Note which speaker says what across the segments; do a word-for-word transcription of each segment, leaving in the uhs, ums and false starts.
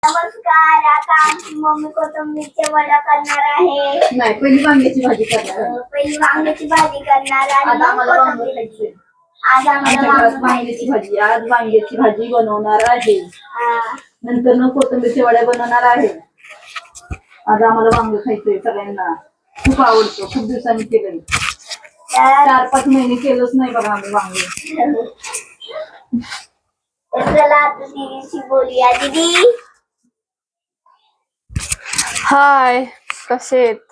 Speaker 1: नमस्कार. आता आमची मम्मी कोथिंबीरच्या वड्या करणार आहे.
Speaker 2: नाही, पहिली वांग्याची भाजी करणार आहे.
Speaker 1: अं, पहिली वांग्याची भाजी करणार आणि
Speaker 2: आज
Speaker 1: मग
Speaker 2: आम्हाला वांग
Speaker 1: कोथिंबीर.
Speaker 2: खायचंय.
Speaker 1: आज आम्हाला
Speaker 2: आमच्या
Speaker 1: वांग
Speaker 2: घरात वांग्याची भाजी आज वांग्याची भाजी बनवणार आहे.
Speaker 1: हा.
Speaker 2: नंतर न कोथिंबीरच्या वड्या बनवणार आहे. आज आम्हाला वांग खायचंय सगळ्यांना. खूप आवडतं. खूप दिवसांनी केलंय.
Speaker 1: तर
Speaker 2: चार पाच महिने केलंच नाही बघा आम्ही वांगे.
Speaker 1: तर चला आता दीदीशी बोलूया. दीदी
Speaker 3: हाय, कसे आहेत?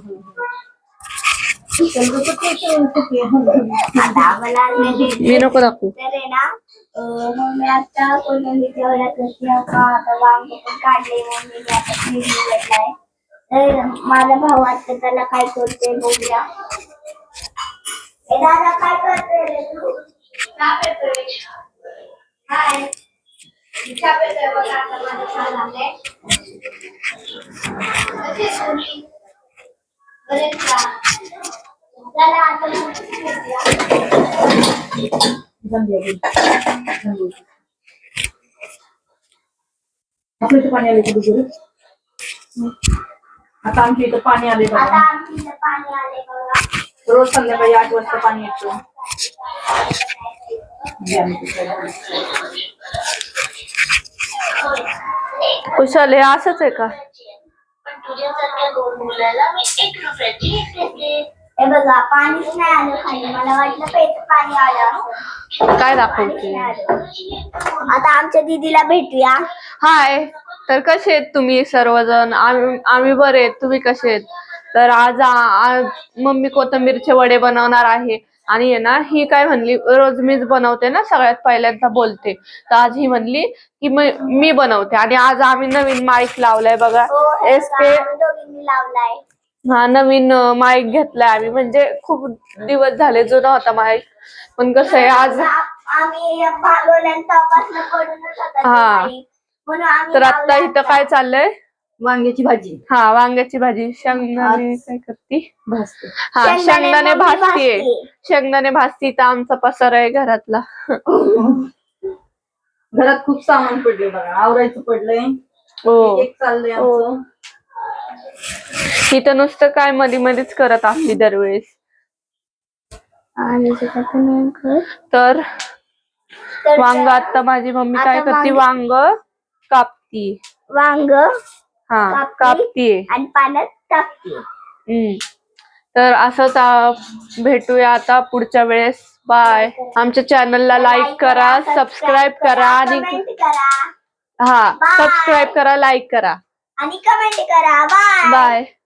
Speaker 1: आता आम्हाला
Speaker 3: मी नको दाखवू.
Speaker 1: तर आहे ना अं, मम्मी आता कोथिंबीरच्या वड्या करते. आता वांग पण काढले मम्मीने. आता फ्रीज निवडलाय. तर माझा भाऊ आता त्याला काय करते बघूया. ए दादा, काय करते रे तू? चहा पितोय. हाय. चहा पितोय बघ. आता माझा चहा झालाय. कशी आहेस तुम्ही? बरेच का? चला आता मग भेटूया.
Speaker 2: आपल्या इथं पाणी आले का? आता आमच्या इथं पाणी आले
Speaker 1: आता
Speaker 2: बघा.
Speaker 1: आमच्या इथं पाणी आले बघा.
Speaker 2: रोज संध्याकाळी आठ वाजता पाणी येतं.
Speaker 3: कुशल, हे असंच आहे का?
Speaker 1: पण तुझ्यासारख्या गोड मुलाला मी एक रुपयाची एक घेतली. हे बघा, पाणीच नाही आलं खाली. मला वाटलं पेट पाणी आलं असं.
Speaker 3: काय
Speaker 1: पाणीच
Speaker 3: दाखवते?
Speaker 1: नाही आलं. आता आमच्या दीदीला भेटूया.
Speaker 3: हाय, तर कसे आहेत तुम्ही सर्वजण? आम्ही आम्ही बरे आहेत. तुम्ही कसे आहेत? तर आज आ- आज मम्मी कोथिंबीरचे वडे बनवणार आहे. आणि आहे ना, ही काय म्हणली, रोज मीच बनवते ना, सगळ्यात पहिल्यांदा बोलते. तर आज ही म्हणली की मी मी बनवते. आणि आज आम्ही नवीन माईक लावलाय बघा.
Speaker 1: हो, हे
Speaker 3: एस
Speaker 1: बघा,
Speaker 3: के
Speaker 1: आम्ही दोघींनी लावलाय.
Speaker 3: हा नवीन माईक घेतलाय आम्ही. म्हणजे खूप दिवस झाले, जुना होता माईक. पण कसं आहे आज
Speaker 1: आ- आम्ही भागवल्यांपासून पडूनच होता तो
Speaker 3: हा.
Speaker 1: माईक. म्हणून आम्ही
Speaker 3: तर आता
Speaker 1: लावला
Speaker 3: इथं
Speaker 1: आता.
Speaker 3: काय चाललंय?
Speaker 2: वांग्याची भाजी
Speaker 3: हा, वांग्याची भाजी. शेंगदाणे
Speaker 2: आज-
Speaker 3: काय करती?
Speaker 2: भाजते.
Speaker 3: हा,
Speaker 1: शेंगदाणे
Speaker 3: शेंगदाणे
Speaker 1: मम्मी
Speaker 3: भाजतीये.
Speaker 1: भाजतीये.
Speaker 3: शेंगदाणे भाजती. तर आमचा पसार आहे घरातला.
Speaker 2: घरात खूप सामान पडले बघा. आवरायचं पडलंय.
Speaker 3: हो.
Speaker 2: एक चाललंय आमचं.
Speaker 3: इथं नुसतं काय मधी मधीच करत असली दरवेळेस.
Speaker 1: आणि जे काही नाही करत.
Speaker 3: तर
Speaker 1: तर
Speaker 3: वांग आता माझी मम्मी काय
Speaker 1: आता
Speaker 3: करते?
Speaker 1: वांग-
Speaker 3: वांग कापती.
Speaker 1: वांग
Speaker 3: हा,
Speaker 1: कापते
Speaker 3: कापतीये.
Speaker 1: आणि पाण्यात टाकते.
Speaker 3: हम्म. तर असंच आ, भेटूया आता पुढच्या वेळेस. बाय. आमच्या चॅनलला लाईक करा, सबस्क्राईब करा आणि
Speaker 1: कमेंट करा
Speaker 3: हा,
Speaker 1: Bye.
Speaker 3: सबस्क्राईब करा, लाईक करा.
Speaker 1: आणि कमेंट करा. बाय.
Speaker 3: बाय.